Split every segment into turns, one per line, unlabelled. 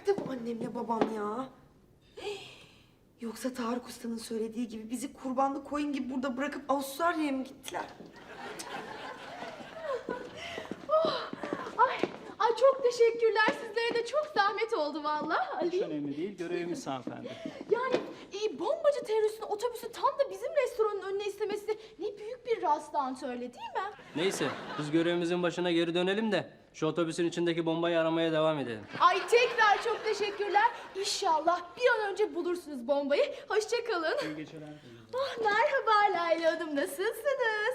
Nerede bu annemle babam ya? Yoksa Tarık Usta'nın söylediği gibi bizi kurbanlı koyun gibi burada bırakıp Avustralya'ya mı gittiler?
Ay çok teşekkürler. Sizlere de çok zahmet oldu vallahi
Hiç
Ali.
önemli değil, görevimiz hanımefendi.
Yani bombacı teröristin otobüsü tam da bizim restoranın önüne istemesi ne büyük bir rastlantı öyle değil mi?
Neyse, biz görevimizin başına geri dönelim de şu otobüsün içindeki bombayı aramaya devam edelim.
Ay tekrar çok teşekkürler. İnşallah bir an önce bulursunuz bombayı. Hoşça kalın.
İyi geceler.
Ah, merhaba Layla Hanım, nasılsınız?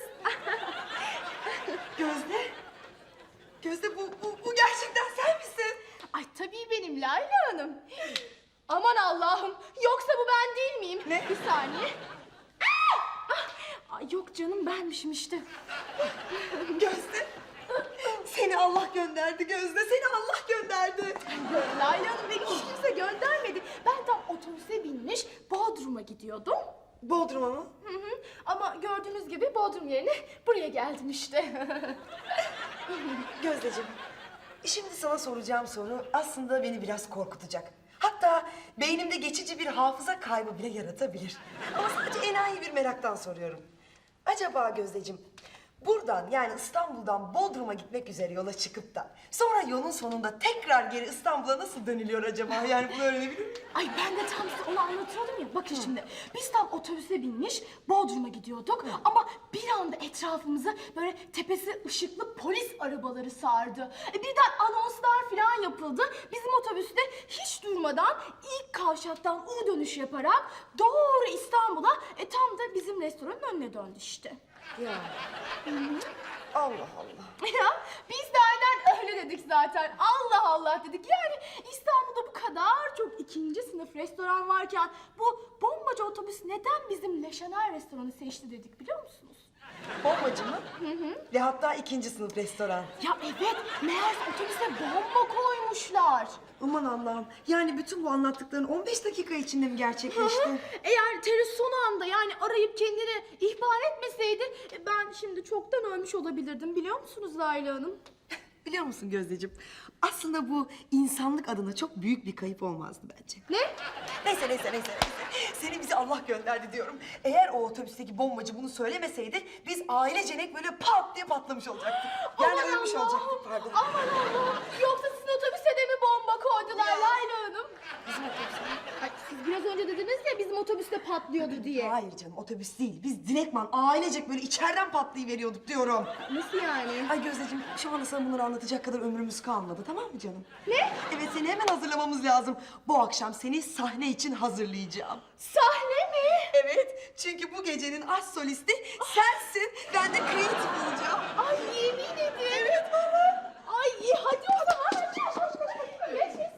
Gözde. Gözde bu gerçekten sen misin?
Ay tabii benim Layla Hanım. Aman Allah'ım, yoksa bu ben değil miyim?
Ne?
Bir saniye. Ay yok canım, benmişim işte.
Gözde. Seni Allah gönderdi Gözde. Seni Allah gönderdi.
Layla Hanım beni hiç kimse göndermedi. Ben tam otobüse binmiş Bodrum'a gidiyordum.
Bodrum'a mı?
Hı. Ama gördüğünüz gibi Bodrum yerine buraya geldim işte.
Gözdeciğim, şimdi sana soracağım soru aslında beni biraz korkutacak. Hatta beynimde geçici bir hafıza kaybı bile yaratabilir. Ama sadece enayi bir meraktan soruyorum. Acaba Gözdeciğim, buradan yani İstanbul'dan Bodrum'a gitmek üzere yola çıkıp da sonra yolun sonunda tekrar geri İstanbul'a nasıl dönülüyor acaba? Yani bunu öğrenebilir miyim?
Ay ben de tam size onu anlatıyordum ya. Bakın şimdi biz tam otobüse binmiş Bodrum'a gidiyorduk. Ama bir anda etrafımızı böyle tepesi ışıklı polis arabaları sardı. Birden anonslar falan yapıldı. Bizim otobüs de hiç durmadan ilk kavşaktan U dönüş yaparak doğru İstanbul'a tam da bizim restoranın önüne döndü işte.
Ya. Allah Allah.
Ya biz de aynen öyle dedik zaten. Allah Allah dedik. Yani İstanbul'da bu kadar çok ikinci sınıf restoran varken bu bombacı otobüs neden bizim Le Chanel restoranı seçti dedik biliyor musunuz?
Bombacı mı? Ve hatta ikinci sınıf restoran.
Ya evet, meğerse otobüse bomba koymuşlar.
Aman Allah'ım. Yani bütün bu anlattıkların 15 dakika içinde mi gerçekleşti?
Eğer terörist son anda yani arayıp kendini ihbar etmeseydi ben şimdi çoktan ölmüş olabilirdim biliyor musunuz Layla Hanım?
Biliyor musun Gözdeciğim? Aslında bu insanlık adına çok büyük bir kayıp olmazdı bence.
Ne?
Neyse. Seni bize Allah gönderdi diyorum. Eğer o otobüsteki bombacı bunu söylemeseydi biz ailecenek böyle pat diye patlamış olacaktık. Yani
Aman
ölmüş
Allah'ım,
olacaktık pardon.
Aman Allah'ım. Yoksa sizin otobüse de mi bomba koydular
Ya.
Layla Hanım?
Bizim otobüs mü?
Ay, siz biraz önce dediniz ya bizim otobüste patlıyordu diye.
Hayır canım otobüs değil. Biz direktman ailecek böyle içeriden patlayıveriyorduk diyorum.
Nasıl yani?
Ay Gözdeciğim şu anda sana bunları anlatacak kadar ömrümüz kalmadı tamam mı canım?
Ne?
Evet seni hemen hazırlamamız lazım. Bu akşam seni sahne için hazırlayacağım.
Sahne mi?
Evet çünkü bu gecenin aşk solisti sensin. Ben de kreatif olacağım.
Ay yemin ederim.
Evet baba.
Ay iyi hadi o zaman. Yaşasın.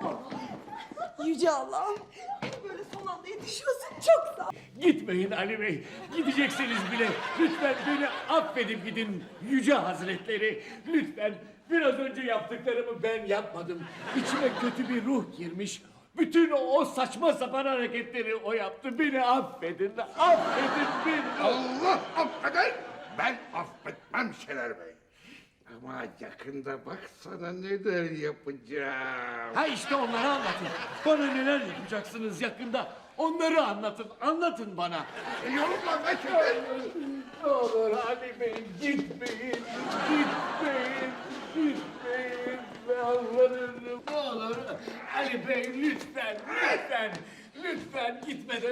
Yüce Allah'ım. Böyle son anda yetişiyorsun. Çok sağ ol.
Gitmeyin Ali Bey. Gideceksiniz bile. Lütfen beni affedip gidin Yüce Hazretleri. Lütfen biraz önce yaptıklarımı ben yapmadım. İçime kötü bir ruh girmiş. Bütün o saçma sapan hareketleri o yaptı. Beni affedin. Affedin beni.
Allah affeder, ben affetmem Şener Bey. Ama yakında bak sana neler yapacağım.
Ha işte onları anlatın. Bana neler yapacaksınız yakında. Onları anlatın. Anlatın bana.
Yorulma be Şener.
Ne olur Ali Bey gitmeyin. Gitmeyin. Gitmeyin. Yalvarırım. Ne olur Ali Bey lütfen. Lütfen. Lütfen gitmeden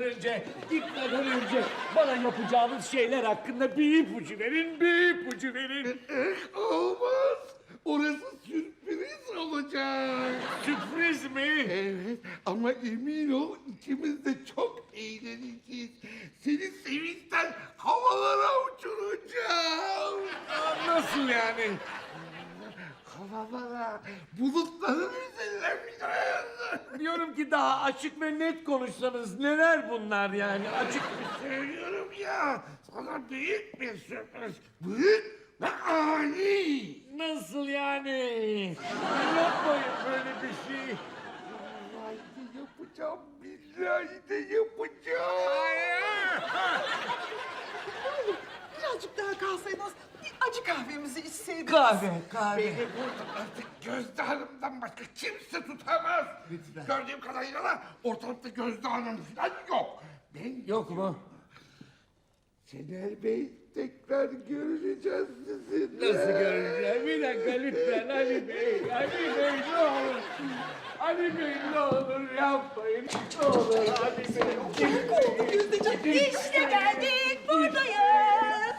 önce bana yapacağınız şeyler hakkında bir ipucu verin, bir ipucu verin.
Olmaz. Orası sürpriz olacak.
Sürpriz mi?
Evet ama emin ol ikimiz de çok eğleneceğiz. Seni sevinçten havalara uçuracağım.
Nasıl yani?
Havalara, bulutların üzerine bineceğiz.
Diyorum ki daha açık ve net konuşsanız neler bunlar yani açık.
Söylüyorum ya, sana büyük bir sürpriz. Büyük ve ani.
Nasıl yani? Yapmayın böyle bir şey.
Vallahi de yapacağım, billahi de yapacağım.
Birazcık daha kalsaydınız bir acı kahvemizi içseydik.
içseydik.
Kahve, kahve.
Beni burada artık Gözde Hanım'dan başka kimse tutamaz.
Lütfen.
Gördüğüm kadarıyla da ortalıkta Gözde Hanım falan yok. Ben
Yok mu?
Şener Bey tekrar göreceğiz sizinle.
Nasıl göreceğim? Bir dakika lütfen Ali Bey. Ali Bey ne olur. Ali Bey ne olur yapmayın. Ne olur Ali Bey.
İşte geldik, buradayız.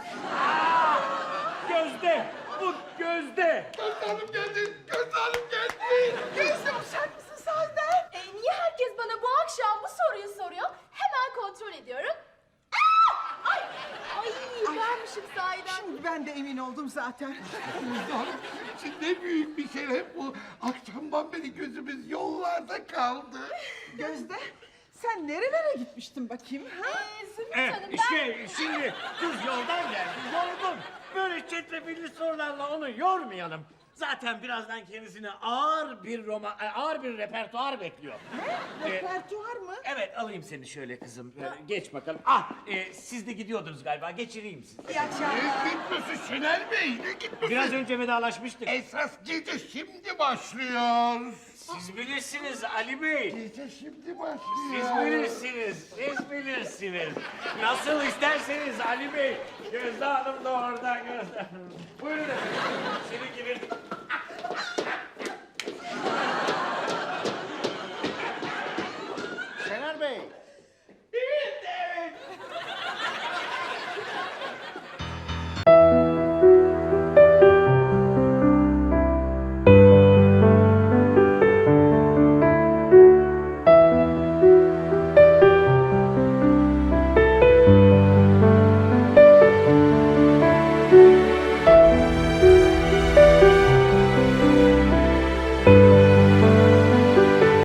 Gözde. Bu Gözde.
Gözde Hanım geldi. Gözde Hanım geldi.
Gözde uşak mısın sahiden?
Niye herkes bana bu akşam bu soruyu soruyor? Hemen kontrol ediyorum. Aa! Ay vermişim sahiden.
Şimdi ben de emin oldum zaten.
Gözde Hanım bizim için ne büyük bir şeref bu. Akşamdan beri gözümüz yollarda kaldı.
Gözde, sen nerelere gitmiştin bakayım ha?
Zümrüt Hanım ben...
Şimdi kız yoldan geldi. Yorgun. Böyle çetrefilli sorularla onu yormayalım. Zaten birazdan kendisine ağır bir repertuar bekliyor.
Repertuar mı?
Evet alayım seni şöyle kızım. Geç bakalım. Ah siz de gidiyordunuz galiba. Geçireyim sizi.
İyi akşamlar.
Ne gitmesi Şener Bey? Ne gitmesi?
Biraz önce vedalaşmıştık.
Esas gece şimdi başlıyor.
Siz bilirsiniz Ali Bey.
Gece şimdi başlıyor.
Siz bilirsiniz. Siz bilirsiniz. Nasıl isterseniz Ali Bey. Gözde Hanım da orada. Gözde Hanım. Buyurun efendim. İçeri girin.